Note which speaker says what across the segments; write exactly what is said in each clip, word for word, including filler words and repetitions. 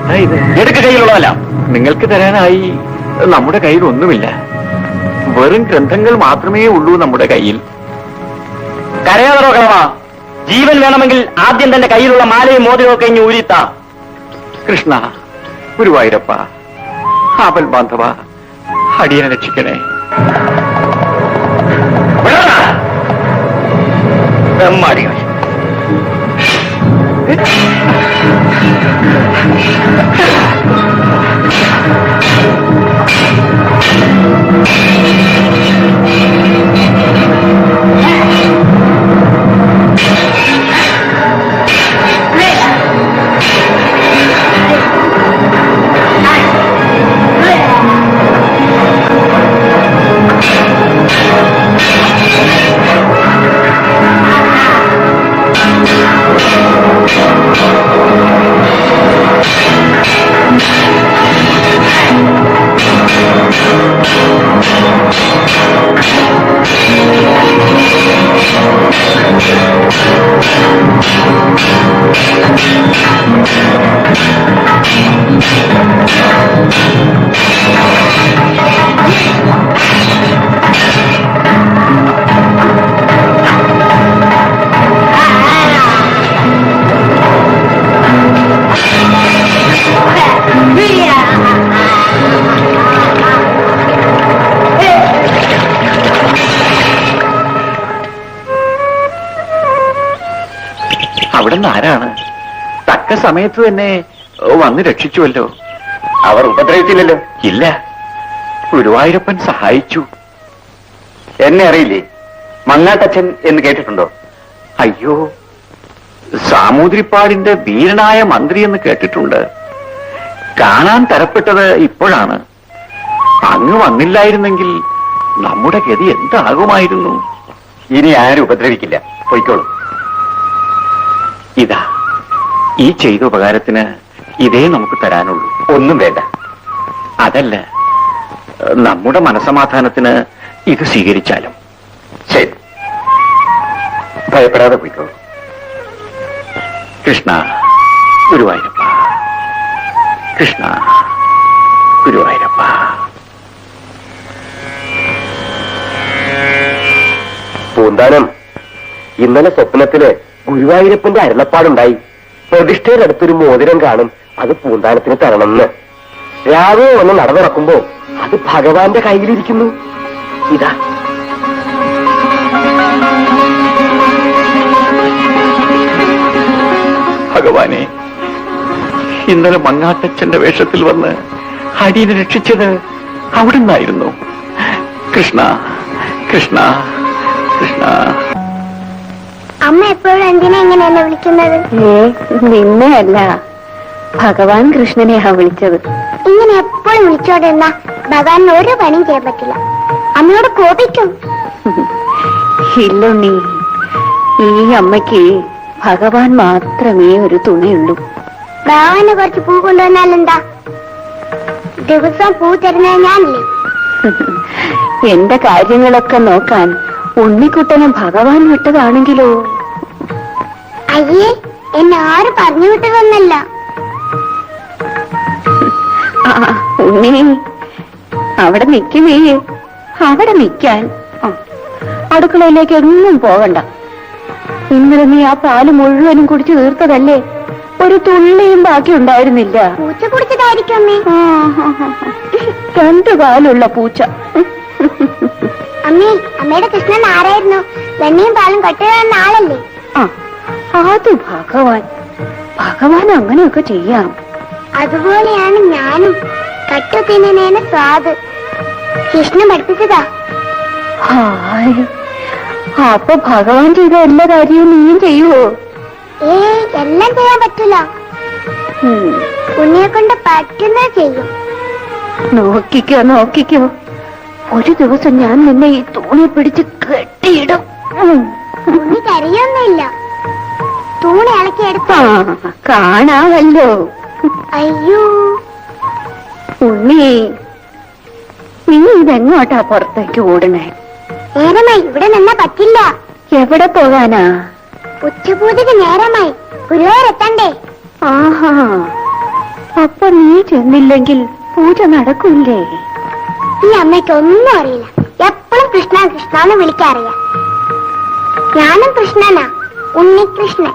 Speaker 1: എന്താ ഇത്? എടുക്ക കയ്യിലുള്ളതല്ല. നിങ്ങൾക്ക് തരാനായി നമ്മുടെ കയ്യിൽ ഒന്നുമില്ല. വെറും ഗ്രന്ഥങ്ങൾ മാത്രമേ ഉള്ളൂ നമ്മുടെ കയ്യിൽ.
Speaker 2: കരയാതറോ കളവാ. ജീവൻ വേണമെങ്കിൽ ആദ്യം തന്റെ കയ്യിലുള്ള മാലയും മോതിരവും ഒക്കെ ഇനി ഊരിത്താ.
Speaker 1: കൃഷ്ണ, ഗുരുവായൂരപ്പ, ആപൽ ബാന്ധവ, അടിയനെ രക്ഷിക്കണേ.
Speaker 2: ബ്രഹ്മാടികൾ
Speaker 1: അവിടുന്ന് ആരാണ്? തക്ക സമയത്ത് തന്നെ വന്ന് രക്ഷിച്ചുവല്ലോ.
Speaker 2: അവർ ഉപദ്രവിച്ചില്ലല്ലോ.
Speaker 1: ഇല്ല, ഗുരുവായൂരപ്പൻ സഹായിച്ചു.
Speaker 2: എന്നെ അറിയില്ലേ? മങ്ങാട്ടച്ഛൻ എന്ന് കേട്ടിട്ടുണ്ടോ?
Speaker 1: അയ്യോ, സാമൂതിരിപ്പാടിന്റെ വീരനായ മന്ത്രി എന്ന് കേട്ടിട്ടുണ്ട്. കാണാൻ തരപ്പെട്ടത് ഇപ്പോഴാണ്. അങ്ങ് വന്നില്ലായിരുന്നെങ്കിൽ നമ്മുടെ ഗതി എന്താകുമായിരുന്നു?
Speaker 2: ഇനി ആരും ഉപദ്രവിക്കില്ല. പൊയ്ക്കോളൂ.
Speaker 1: ഇതാ, ഈ ചെയ്ത ഉപകാരത്തിന് ഇതേ നമുക്ക് തരാനുള്ളൂ.
Speaker 2: ഒന്നും വേണ്ട.
Speaker 1: അതല്ല, നമ്മുടെ മനസമാധാനത്തിന് ഇത് സ്വീകരിച്ചാലും.
Speaker 2: ശരി, ഭയപ്പെടാതെ പോയിക്കോളൂ.
Speaker 1: കൃഷ്ണ, ഗുരുവായൂരപ്പ, കൃഷ്ണ, ഗുരുവായൂരപ്പ.
Speaker 2: പൂന്താനം, ഇന്നലെ സ്വപ്നത്തില് ഗുരുവായൂരപ്പന്റെ അരുളപ്പാടുണ്ടായി. പ്രതിഷ്ഠയുടെ അടുത്തൊരു മോതിരം കാണും, അത് പൂന്താനത്തിന് തരണമെന്ന്. രാവിലെ വന്ന് നടന്നിറക്കുമ്പോ അത് ഭഗവാന്റെ കയ്യിലിരിക്കുന്നു. ഇതാ.
Speaker 1: ഭഗവാനെ, ഇന്നലെ മങ്ങാട്ടച്ഛന്റെ വേഷത്തിൽ വന്ന് അടിയനെ രക്ഷിച്ചത് അവിടുന്നായിരുന്നു. കൃഷ്ണ, കൃഷ്ണ, കൃഷ്ണ.
Speaker 3: അമ്മ എപ്പോഴും എന്തിനാ ഇങ്ങനെ എന്നെ വിളിക്കുന്നത്?
Speaker 4: നിന്നെയല്ല, ഭഗവാൻ കൃഷ്ണനെയാ വിളിച്ചത്.
Speaker 3: ഇങ്ങനെ എപ്പോഴും വിളിച്ചോണ്ടിരുന്ന ഭഗവാൻ ഒരു പണിയും ചെയ്യാൻ പറ്റില്ല. അമ്മയോട് കോപിക്കും.
Speaker 4: ഇല്ലുണ്ണി, ഈ അമ്മയ്ക്ക് ഭഗവാൻ മാത്രമേ ഒരു തുണയുള്ളൂ.
Speaker 3: ഭഗവാന് കുറച്ച് പൂ കൊണ്ടുവന്നാലെന്താ? ദിവസം പൂ തരുന്നത് ഞാനില്ലേ?
Speaker 4: എന്റെ കാര്യങ്ങളൊക്കെ നോക്കാൻ ഉണ്ണിക്കുട്ടനെ ഭഗവാൻ വിട്ടതാണെങ്കിലോ?
Speaker 3: അയ്യേ, എന്നെ ആരും പറഞ്ഞു വിട്ടതൊന്നല്ല.
Speaker 4: ആ ഉണ്ണി, അവിടെ നിൽക്കുമേ, അവിടെ നിൽക്കാൻ. അടുക്കളയിലേക്ക് എങ്ങും പോകണ്ട. ഇന്നലെ നീ ആ പാല് മുഴുവനും കുടിച്ചു തീർത്തതല്ലേ? ഒരു തുള്ളിയും ബാക്കി ഉണ്ടായിരുന്നില്ല.
Speaker 3: പൂച്ച കുടിച്ചതായിരിക്കും അമ്മേ.
Speaker 4: രണ്ടു കാലുള്ള പൂച്ച.
Speaker 3: അമ്മേ, അമ്മയുടെ കൃഷ്ണൻ ആരായിരുന്നു? വെണ്ണയും പാലും കട്ടുകഴുകുന്ന ആളല്ലേ?
Speaker 4: ആ, അത് ഭഗവാൻ. ഭഗവാൻ അങ്ങനെയൊക്കെ ചെയ്യാം.
Speaker 3: അതുപോലെയാണ് ഞാനും. കട്ടു തിന്നേനെ സ്വാദ് കൃഷ്ണൻ പഠിപ്പിച്ചതാ.
Speaker 4: ഹായ്, അപ്പൊ ഭഗവാൻ ചെയ്ത എല്ലാ കാര്യവും നീയും ചെയ്യുവോ?
Speaker 3: ഏ എല്ലാം ചെയ്യാൻ പറ്റില്ല. ഉണ്ണിയെ കൊണ്ട് പറ്റുന്നത് ചെയ്യും.
Speaker 4: നോക്കിക്കോ നോക്കിക്കോ, ഒരു ദിവസം ഞാൻ നിന്നെ ഈ തൂണി പിടിച്ച് കെട്ടിയിടും.
Speaker 3: ഉണ്ണി കരയൊന്നുമില്ല. തൂണി ഇളക്കിയെടുത്ത
Speaker 4: കാണാമല്ലോ.
Speaker 3: അയ്യോ
Speaker 4: ഉണ്ണി, നീ ഇതെങ്ങോട്ടാ പുറത്തേക്ക് ഓടണേ?
Speaker 3: നേരമായി, ഇവിടെ നിന്നാ പറ്റില്ല.
Speaker 4: എവിടെ പോകാനാ?
Speaker 3: ഉച്ചപൂജയ്ക്ക് നേരമായി, ഗുരുവായൂരെത്തണ്ടേ?
Speaker 4: ആഹാ, അപ്പൊ നീ ചെന്നില്ലെങ്കിൽ പൂജ നടക്കൂലേ?
Speaker 3: ഈ അമ്മയ്ക്ക് ഒന്നും അറിയില്ല. എപ്പോഴും കൃഷ്ണ കൃഷ്ണ എന്ന് വിളിക്കാറിയാം. ഞാനും കൃഷ്ണനാ, ഉണ്ണികൃഷ്ണൻ.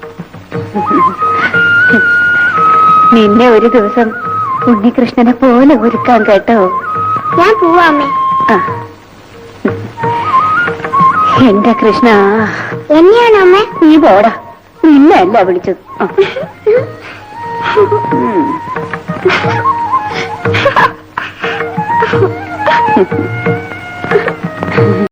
Speaker 4: നിന്നെ ഒരു ദിവസം ഉണ്ണികൃഷ്ണനെ പോലെ ഒരുക്കാൻ കേട്ടോ.
Speaker 3: ഞാൻ പോവാ അമ്മേ.
Speaker 4: ആ. എന്റെ കൃഷ്ണ,
Speaker 3: എന്നെയാണോ അമ്മേ?
Speaker 4: നീ പോടാ, നിന്നല്ല വിളിച്ചത്. ആ. ഉം.